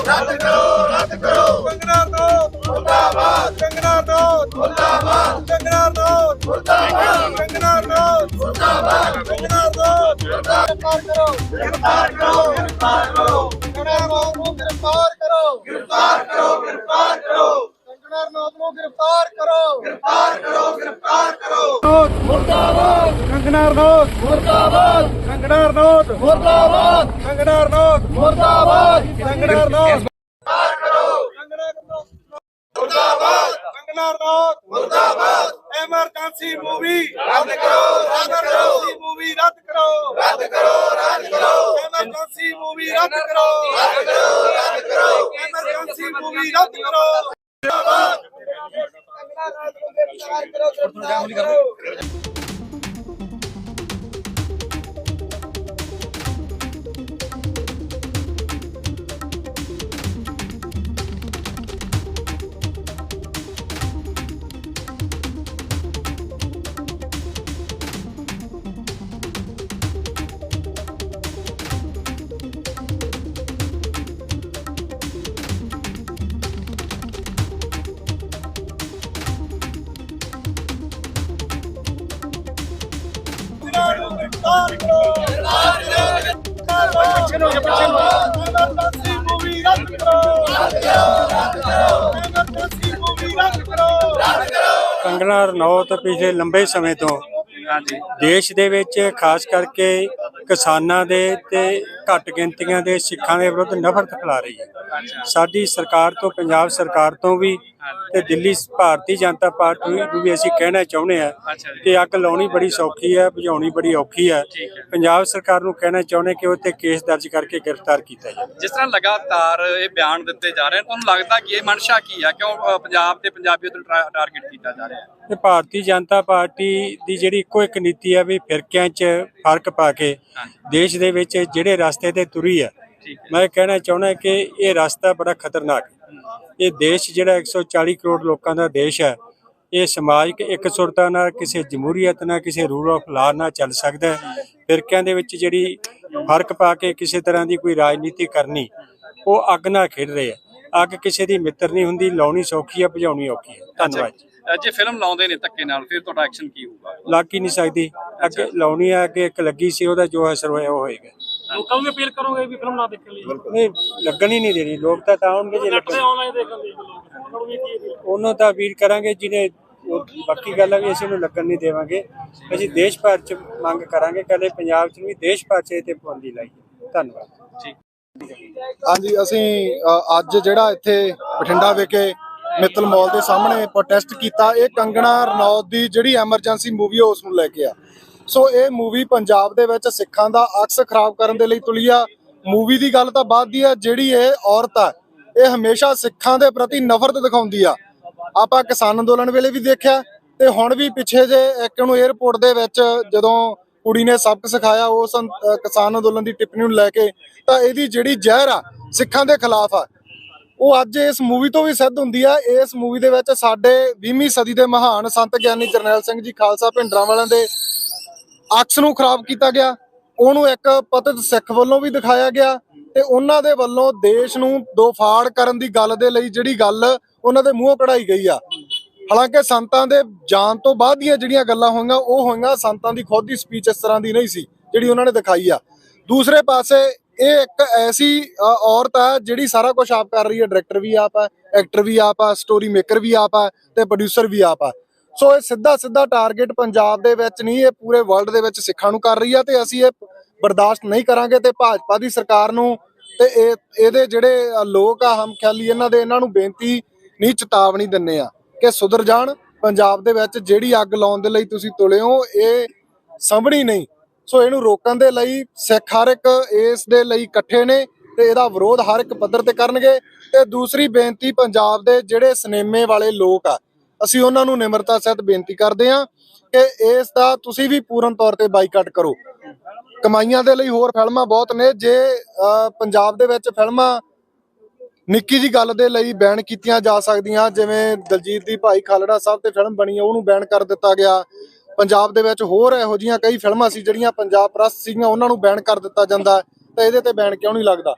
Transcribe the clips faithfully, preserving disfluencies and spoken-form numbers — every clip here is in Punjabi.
रद्द करो रद्द करो कंगना रनौत मुर्दाबाद कंगना रनौत मुर्दाबाद कंगना रनौत मुर्दाबाद कंगना रनौत मुर्दाबाद कंगना रनौत गिरफ्तार करो गिरफ्तार करो गिरफ्तार करो कंगना रनौत को गिरफ्तार करो गिरफ्तार करो गिरफ्तार करो कंगना रनौत को गिरफ्तार करो गिरफ्तार करो गिरफ्तार करो मुर्दाबाद कंगना रनौत मुर्दाबाद कंगना रनौत मुर्दाबाद कंगना रनौत मुर्दाबाद कंगना रनौत मुर्दाबाद कंगना रनौत मुर्दाबाद इमरजेंसी मूवी रद्द करो रद्द करो मूवी रद्द करो रद्द करो रद्द करो इमरजेंसी मूवी रद्द करो रद्द करो रद्द करो इमरजेंसी मूवी रद्द करो मुर्दाबाद कंगना रनौत को गिरफ्तार करो गिरफ्तार करो कंगना रनौत पिछले लंबे समय तो देश ਦੇ ਵਿੱਚ ਖਾਸ ਕਰਕੇ ਕਿਸਾਨਾਂ ਦੇ ਤੇ ਘੱਟ ਗਿਣਤੀਆਂ ਦੇ ਸਿੱਖਾਂ ਦੇ ਵਿਰੁੱਧ ਨਫ਼ਰਤ ਫੈਲਾ ਰਹੀ ਹੈ। ਸਾਡੀ ਸਰਕਾਰ ਤੋਂ ਪੰਜਾਬ ਸਰਕਾਰ ਤੋਂ ਵੀ ਤੇ ਦਿੱਲੀ ਭਾਰਤੀ ਜਨਤਾ ਪਾਰਟੀ ਨੂੰ ਵੀ ਅਸੀਂ ਕਹਿਣਾ ਚਾਹੁੰਦੇ ਆ ਕਿ ਅੱਗ ਲਾਉਣੀ ਬੜੀ ਸੌਖੀ ਹੈ, ਬੁਝਾਉਣੀ ਬੜੀ ਔਖੀ ਹੈ। ਪੰਜਾਬ ਸਰਕਾਰ ਨੂੰ ਕਹਿਣਾ ਚਾਹੁੰਦੇ ਕਿ ਉਹ ਤੇ ਕੇਸ ਦਰਜ ਕਰਕੇ ਗ੍ਰਿਫਤਾਰ ਕੀਤਾ ਜਾਵੇ। ਜਿਸ ਤਰ੍ਹਾਂ ਲਗਾਤਾਰ ਇਹ ਬਿਆਨ ਦਿੱਤੇ ਜਾ ਰਹੇ ਹਨ, ਤੁਹਾਨੂੰ ਲੱਗਦਾ ਕਿ ਇਹ ਮਨਸ਼ਾ ਕੀ ਹੈ? ਕਿਉਂ ਪੰਜਾਬ ਤੇ ਪੰਜਾਬੀਅਤ ਨੂੰ ਟਾਰਗੇਟ ਕੀਤਾ ਜਾ ਰਿਹਾ ਹੈ? ਤੇ ਭਾਰਤੀ ਜਨਤਾ ਪਾਰਟੀ ਦੀ ਜਿਹੜੀ ਇੱਕੋ ਇੱਕ ਨੀਤੀ ਹੈ ਵੀ ਫਿਰਕਿਆਂ 'ਚ ਫਰਕ ਪਾ ਕੇ ਦੇਸ਼ ਦੇ ਵਿੱਚ ਜਿਹੜੇ ਰਸਤੇ ਤੇ ਤੁਰੀ ਹੈ, ਮੈਂ ਕਹਿਣਾ ਚਾਹੁੰਦਾ ਕਿ ਇਹ ਰਸਤਾ ਬੜਾ ਖਤਰਨਾਕ ਹੈ। ਇਹ ਦੇਸ਼ ਜਿਹੜਾ ਇੱਕ ਸੌ ਚਾਲੀ ਕਰੋੜ ਲੋਕਾਂ ਦਾ ਦੇਸ਼ ਹੈ, ਇਹ ਸਮਾਜਿਕ ਇੱਕ ਸੁਰਤਾ ਨਾਲ, ਕਿਸੇ ਜਮਹੂਰੀਅਤ ਨਾਲ, ਕਿਸੇ ਰੂਲ ਆਫ ਲਾ ਨਾਲ ਚੱਲ ਸਕਦਾ ਹੈ। ਫਿਰਕਿਆਂ ਦੇ ਵਿੱਚ ਜਿਹੜੀ ਫਰਕ ਪਾ ਕੇ ਕਿਸੇ ਤਰ੍ਹਾਂ ਦੀ ਕੋਈ ਰਾਜਨੀਤੀ ਕਰਨੀ, ਉਹ ਅੱਗ ਨਾਲ ਖੇਡ ਰਹੇ ਆ। ਅੱਗ ਕਿਸੇ ਦੀ ਮਿੱਤਰ ਨਹੀਂ ਹੁੰਦੀ, ਲਾਉਣੀ ਸੌਖੀ ਹੈ, ਬੁਝਾਉਣੀ ਔਖੀ ਹੈ। ਧੰਨਵਾਦ ਜੀ। ਜੇ ਫਿਲਮ ਲਾਉਂਦੇ ਨੇ ਧੱਕੇ ਨਾਲ, ਫਿਰ ਤੁਹਾਡਾ ਐਕਸ਼ਨ ਕੀ ਹੋਊਗਾ? ਲੱਗ ਹੀ ਨਹੀਂ ਸਕਦੀ। ਅੱਗੇ ਲਾਉਣੀ ਹੈ, ਅੱਗੇ ਇੱਕ ਲੱਗੀ ਸੀ, ਉਹਦਾ ਜੋ ਅਸਰ ਹੋਇਆ ਉਹ ਹੋਏਗਾ। ਲੋਕਾਂ ਨੂੰ ਅਪੀਲ ਕਰੋਗੇ ਵੀ ਫਿਲਮ ਨਾ ਦੇਖਣ ਲਈ? ਨਹੀਂ, ਲੱਗਣ ਹੀ ਨਹੀਂ ਦੇਣੀ। ਲੋਕ ਤਾਂ ਤਾਂ ਆਉਣਗੇ ਜੇ ਲੱਗਣ। ਆਨਲਾਈਨ ਦੇਖਣ ਦੇ ਉਹਨਾਂ ਨੂੰ ਵੀ ਕੀ ਉਹਨੂੰ ਤਾਂ ਅਪੀਲ ਕਰਾਂਗੇ ਜਿਹਨੇ, ਬਾਕੀ ਗੱਲ ਹੈ ਵੀ ਅਸੀਂ ਉਹਨੂੰ ਲੱਗਣ ਨਹੀਂ ਦੇਵਾਂਗੇ। ਅਸੀਂ ਦੇਸ਼ ਭਰ ਚ ਮੰਗ ਕਰਾਂਗੇ, ਕੱਲੇ ਪੰਜਾਬ ਚ ਨਹੀਂ, ਦੇਸ਼ ਭਰ ਚ ਇਹ ਤੇ ਪਾਬੰਦੀ ਲਾਈ। ਧੰਨਵਾਦ ਜੀ। ਹਾਂਜੀ, ਅਸੀਂ ਅੱਜ ਜਿਹੜਾ ਇੱਥੇ ਬਠਿੰਡਾ ਵਿਖੇ ਮਿੱਤਲ ਮਾਲ ਦੇ ਸਾਹਮਣੇ ਪ੍ਰੋਟੈਸਟ ਕੀਤਾ, ਇਹ ਕੰਗਣਾ ਰਨੌਤ ਦੀ ਜਿਹੜੀ ਐਮਰਜੈਂਸੀ ਮੂਵੀ ਉਸ ਨੂੰ ਲੈ ਕੇ ਆ। ਸੋ ਇਹ ਮੂਵੀ ਪੰਜਾਬ ਦੇ ਵਿੱਚ ਸਿੱਖਾਂ ਦਾ ਅਕਸ ਖਰਾਬ ਕਰਨ ਦੇ ਲਈ ਤੁਲੀ ਆ। ਮੂਵੀ ਦੀ ਗੱਲ ਤਾਂ ਬਾਅਦ ਦੀ ਆ, ਜਿਹੜੀ ਇਹ ਔਰਤ ਆ ਇਹ ਹਮੇਸ਼ਾ ਸਿੱਖਾਂ ਦੇ ਪ੍ਰਤੀ ਨਫ਼ਰਤ ਦਿਖਾਉਂਦੀ ਆ। ਆਪਾਂ ਕਿਸਾਨ ਅੰਦੋਲਨ ਵੇਲੇ ਵੀ ਦੇਖਿਆ ਤੇ ਹੁਣ ਵੀ ਪਿੱਛੇ ਜੇ ਇੱਕ ਨੂੰ ਏਅਰਪੋਰਟ ਦੇ ਵਿੱਚ ਜਦੋਂ ਕੁੜੀ ਨੇ ਸਬਕ ਸਿਖਾਇਆ ਉਸ ਕਿਸਾਨ ਅੰਦੋਲਨ ਦੀ ਟਿੱਪਣੀ ਨੂੰ ਲੈ ਕੇ, ਤਾਂ ਇਹਦੀ ਜਿਹੜੀ ਜ਼ਹਿਰ ਆ ਸਿੱਖਾਂ ਦੇ ਖਿਲਾਫ ਆ, ਉਹ ਅੱਜ ਇਸ ਮੂਵੀ ਤੋਂ ਵੀ ਸਿੱਧ ਹੁੰਦੀ ਆ। ਇਸ ਮੂਵੀ ਦੇ ਵਿੱਚ ਸਾਡੇ ਵੀਹਵੀਂ ਸਦੀ ਦੇ ਮਹਾਨ ਸੰਤ ਗਿਆਨੀ ਜਰਨੈਲ ਸਿੰਘ ਜੀ ਖਾਲਸਾ ਭਿੰਡਰਾਂਵਾਲਿਆਂ ਦੇ ਅਕਸ ਨੂੰ ਖਰਾਬ ਕੀਤਾ ਗਿਆ। ਉਹਨੂੰ ਇੱਕ ਪਤਿਤ ਸਿੱਖ ਵੱਲੋਂ ਵੀ ਦਿਖਾਇਆ ਗਿਆ ਤੇ ਉਹਨਾਂ ਦੇ ਵੱਲੋਂ ਦੇਸ਼ ਨੂੰ ਦੋ ਫਾੜ ਕਰਨ ਦੀ ਗੱਲ ਦੇ ਲਈ ਜਿਹੜੀ ਗੱਲ ਉਹਨਾਂ ਦੇ ਮੂੰਹੋਂ ਕਢਾਈ ਗਈ ਆ। ਹਾਲਾਂਕਿ ਸੰਤਾਂ ਦੇ ਜਾਣ ਤੋਂ ਬਾਅਦ ਦੀਆਂ ਜਿਹੜੀਆਂ ਗੱਲਾਂ ਹੋਈਆਂ ਉਹ ਹੋਈਆਂ, ਸੰਤਾਂ ਦੀ ਖੁਦ ਦੀ ਸਪੀਚ ਇਸ ਤਰ੍ਹਾਂ ਦੀ ਨਹੀਂ ਸੀ ਜਿਹੜੀ ਉਹਨਾਂ ਨੇ ਦਿਖਾਈ ਆ। ਦੂਸਰੇ ਪਾਸੇ ਇਹ ਇੱਕ ਐਸੀ ਔਰਤ ਹੈ ਜਿਹੜੀ ਸਾਰਾ ਕੁਝ ਆਪ ਕਰ ਰਹੀ ਹੈ। ਡਾਇਰੈਕਟਰ ਵੀ ਆਪ ਹੈ, ਐਕਟਰ ਵੀ ਆਪ ਹੈ, ਸਟੋਰੀ ਮੇਕਰ ਵੀ ਆਪ ਹੈ ਤੇ ਪ੍ਰੋਡਿਊਸਰ ਵੀ ਆਪ ਹੈ। ਸੋ ਇਹ ਸਿੱਧਾ ਸਿੱਧਾ ਟਾਰਗੇਟ ਪੰਜਾਬ ਦੇ ਵਿੱਚ ਨਹੀਂ, ਇਹ ਪੂਰੇ ਵਰਲਡ ਦੇ ਵਿੱਚ ਸਿੱਖਾਂ ਨੂੰ ਕਰ ਰਹੀ ਆ ਤੇ ਅਸੀਂ ਇਹ ਬਰਦਾਸ਼ਤ ਨਹੀਂ ਕਰਾਂਗੇ। ਤੇ ਭਾਜਪਾ ਦੀ ਸਰਕਾਰ ਨੂੰ ਤੇ ਇਹ ਇਹਦੇ ਜਿਹੜੇ ਲੋਕ ਆ ਹਮ ਖਿਆਲੀ, ਇਹਨਾਂ ਦੇ ਇਹਨਾਂ ਨੂੰ ਬੇਨਤੀ ਨਹੀਂ, ਚੇਤਾਵਨੀ ਦਿੰਨੇ ਆ ਕਿ ਸੁਧਰ ਜਾਣ। ਪੰਜਾਬ ਦੇ ਵਿੱਚ ਜਿਹੜੀ ਅੱਗ ਲਾਉਣ ਦੇ ਲਈ ਤੁਸੀਂ ਤੁਲੇ ਹੋ, ਇਹ ਸੰਭਣੀ ਨਹੀਂ। ਸੋ ਇਹਨੂੰ ਰੋਕਣ ਦੇ ਲਈ ਸਿੱਖ ਹਰ ਇੱਕ ਇਸ ਦੇ ਲਈ ਇਕੱਠੇ ਨੇ ਤੇ ਇਹਦਾ ਵਿਰੋਧ ਹਰ ਇੱਕ ਪੱਧਰ ਤੇ ਕਰਨਗੇ। ਤੇ ਦੂਸਰੀ ਬੇਨਤੀ, ਪੰਜਾਬ ਦੇ ਜਿਹੜੇ ਸਿਨੇਮੇ ਵਾਲੇ ਲੋਕ ਆ, ਅਸੀਂ ਉਹਨਾਂ ਨੂੰ ਨਿਮਰਤਾ ਸਹਿਤ ਬੇਨਤੀ ਕਰਦੇ ਹਾਂ ਕਿ ਇਸ ਦਾ ਤੁਸੀਂ ਵੀ ਪੂਰਨ ਤੌਰ ਤੇ ਬਾਈਕਾਟ ਕਰੋ। ਕਮਾਈਆਂ ਦੇ ਲਈ ਹੋਰ ਫਿਲਮਾਂ ਬਹੁਤ ਨੇ। ਜੇ ਪੰਜਾਬ ਦੇ ਵਿੱਚ ਫਿਲਮਾਂ ਨਿੱਕੀ ਜੀ ਗੱਲ ਦੇ ਲਈ ਬੈਨ ਕੀਤੀਆਂ ਜਾ ਸਕਦੀਆਂ, ਜਿਵੇਂ ਦਲਜੀਤ ਦੀ ਭਾਈ ਖਾਲੜਾ ਸਾਹਿਬ ਤੇ ਫਿਲਮ ਬਣੀ, ਉਹਨੂੰ ਬੈਨ ਕਰ ਦਿੱਤਾ ਗਿਆ। ਪੰਜਾਬ ਦੇ ਵਿੱਚ ਹੋਰ ਇਹੋ ਜਿਹੀਆਂ ਕਈ ਫਿਲਮਾਂ ਸੀ ਜਿਹੜੀਆਂ ਪੰਜਾਬ ਪ੍ਰਸਤ ਸੀਗੀਆਂ, ਉਹਨਾਂ ਨੂੰ ਬੈਨ ਕਰ ਦਿੱਤਾ ਜਾਂਦਾ, ਤਾਂ ਇਹਦੇ ਤੇ ਬੈਨ ਕਿਉਂ ਨਹੀਂ ਲੱਗਦਾ?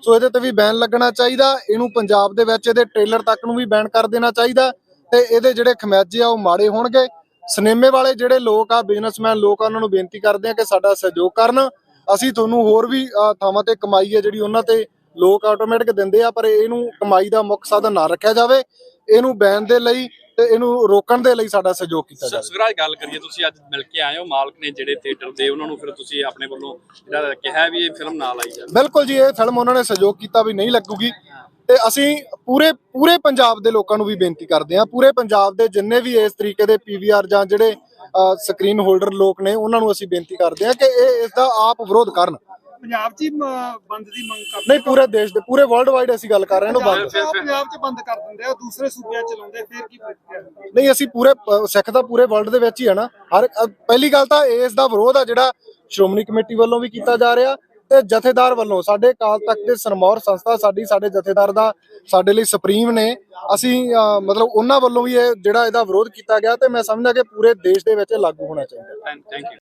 ਸੋ ਇਹਦੇ ਤੇ ਵੀ ਬੈਨ ਲੱਗਣਾ ਚਾਹੀਦਾ। ਇਹਨੂੰ ਪੰਜਾਬ ਦੇ ਵਿੱਚ ਇਹਦੇ ਟ੍ਰੇਲਰ ਤੱਕ ਨੂੰ ਵੀ ਬੈਨ ਕਰ ਦੇਣਾ ਚਾਹੀਦਾ ਤੇ ਇਹਦੇ ਜਿਹੜੇ ਖਮਿਆਜੇ ਆ ਉਹ ਮਾੜੇ ਹੋਣਗੇ। ਸਿਨੇਮੇ ਵਾਲੇ ਜਿਹੜੇ ਲੋਕ ਆ, ਬਿਜ਼ਨਸਮੈਨ ਲੋਕ ਆ, ਉਹਨਾਂ ਨੂੰ ਬੇਨਤੀ ਕਰਦੇ ਆ ਕਿ ਸਾਡਾ ਸਹਿਯੋਗ ਕਰਨ। ਅਸੀਂ ਤੁਹਾਨੂੰ ਹੋਰ ਵੀ ਅ, ਥਾਵਾਂ ਤੇ ਕਮਾਈ ਹੈ ਜਿਹੜੀ ਉਹਨਾਂ ਤੇ ਲੋਕ ਆਟੋਮੈਟਿਕ ਦਿੰਦੇ ਆ, ਪਰ ਇਹਨੂੰ ਕਮਾਈ ਦਾ ਮੁੱਖ ਸਾਧਨ ਨਾ ਰੱਖਿਆ ਜਾਵੇ। ਇਹਨੂੰ ਬੈਨ ਦੇ ਲਈ ਤੇ ਇਹਨੂੰ ਰੋਕਣ ਦੇ ਲਈ ਸਾਡਾ ਸਹਿਯੋਗ ਕੀਤਾ ਜਾਵੇ। ਸੁਖਰਾਜ, ਗੱਲ ਕਰੀਏ, ਤੁਸੀਂ ਅੱਜ ਮਿਲ ਕੇ ਆਏ ਹੋ ਮਾਲਕ ਨੇ ਜਿਹੜੇ ਥੀਏਟਰ ਦੇ, ਉਹਨਾਂ ਨੂੰ ਫਿਰ ਤੁਸੀਂ ਆਪਣੇ ਵੱਲੋਂ ਜਿਹੜਾ ਕਿਹਾ ਵੀ ਇਹ ਫਿਲਮ ਨਾ ਲਾਈ ਜਾਵੇ। ਬਿਲਕੁਲ ਜੀ, ਇਹ ਫਿਲਮ ਉਹਨਾਂ ਨੇ ਸਹਿਯੋਗ ਕੀਤਾ ਵੀ ਨਹੀਂ ਲੱਗੂਗੀ ਤੇ ਅਸੀਂ ਪੂਰੇ ਪੂਰੇ ਪੰਜਾਬ ਦੇ ਲੋਕਾਂ ਨੂੰ ਵੀ ਬੇਨਤੀ ਕਰਦੇ ਹਾਂ, ਪੂਰੇ ਪੰਜਾਬ ਦੇ ਜਿੰਨੇ ਵੀ ਇਸ ਤਰੀਕੇ ਦੇ ਪੀਵੀਆਰ ਜਾਂ ਜਿਹੜੇ ਸਕਰੀਨ ਹੋਲਡਰ ਲੋਕ ਨੇ ਉਹਨਾਂ ਨੂੰ ਅਸੀਂ ਬੇਨਤੀ ਕਰਦੇ ਹਾਂ ਕਿ ਇਹ ਇਸ ਦਾ ਆਪ ਵਿਰੋਧ ਕਰਨ। ਪੰਜਾਬ 'ਚ ਹੀ ਮ- ਬੰਦ ਦੀ ਮੰਗ ਕਰਦੇ ਨਹੀਂ, ਪੂਰੇ ਦੇਸ਼ ਦੇ, ਪੂਰੇ ਵਰਲਡ ਵਾਈਡ ਅਸੀਂ ਗੱਲ ਕਰ ਰਹੇ ਹਾਂ ਇਹਨੂੰ ਬੰਦ। ਫਿਰ- ਫਿਰ- ਪੰਜਾਬ 'ਚ ਬੰਦ ਕਰ ਦਿੰਦੇ ਆ, ਦੂਸਰੇ ਸੂਬਿਆਂ 'ਚ ਚਲਾਉਂਦੇ, ਫਿਰ ਕੀ ਪ੍ਰਤੀਕਿਰਿਆ? ਨਹੀਂ, ਅਸੀਂ ਪੂਰੇ ਅ, ਸਿੱਖ ਤਾਂ ਪੂਰੇ ਵਰਲਡ ਦੇ ਵਿੱਚ ਹੀ ਆ ਨਾ। ਹਰ ਅ, ਪਹਿਲੀ ਗੱਲ ਤਾਂ ਇਸ ਦਾ ਵਿਰੋਧ ਆ ਜਿਹੜਾ ਸ਼੍ਰੋਮਣੀ ਕਮੇਟੀ ਵੱਲੋਂ ਵੀ ਕੀਤਾ ਜਾ ਰਿਹਾ ਤੇ ਜਥੇਦਾਰ ਵੱਲੋਂ। ਸਾਡੇ ਅਕਾਲ ਤਖਤ ਦੇ ਸਰਮੌਰ ਸੰਸਥਾ ਸਾਡੀ, ਸਾਡੇ ਜਥੇਦਾਰ ਦਾ ਸਾਡੇ ਲਈ ਸੁਪਰੀਮ ਨੇ। ਅਸੀਂ ਅ, ਮਤਲਬ ਉਹਨਾਂ ਵੱਲੋਂ ਵੀ ਇਹ ਜਿਹੜਾ ਇਹਦਾ ਵਿਰੋਧ ਕੀਤਾ ਗਿਆ ਤੇ ਮੈਂ ਸਮਝਦਾ ਕਿ ਪੂਰੇ ਦੇਸ਼ ਦੇ ਵਿੱਚ ਇਹ ਲਾਗੂ ਹੋਣਾ ਚਾਹੀਦਾ। Thank you.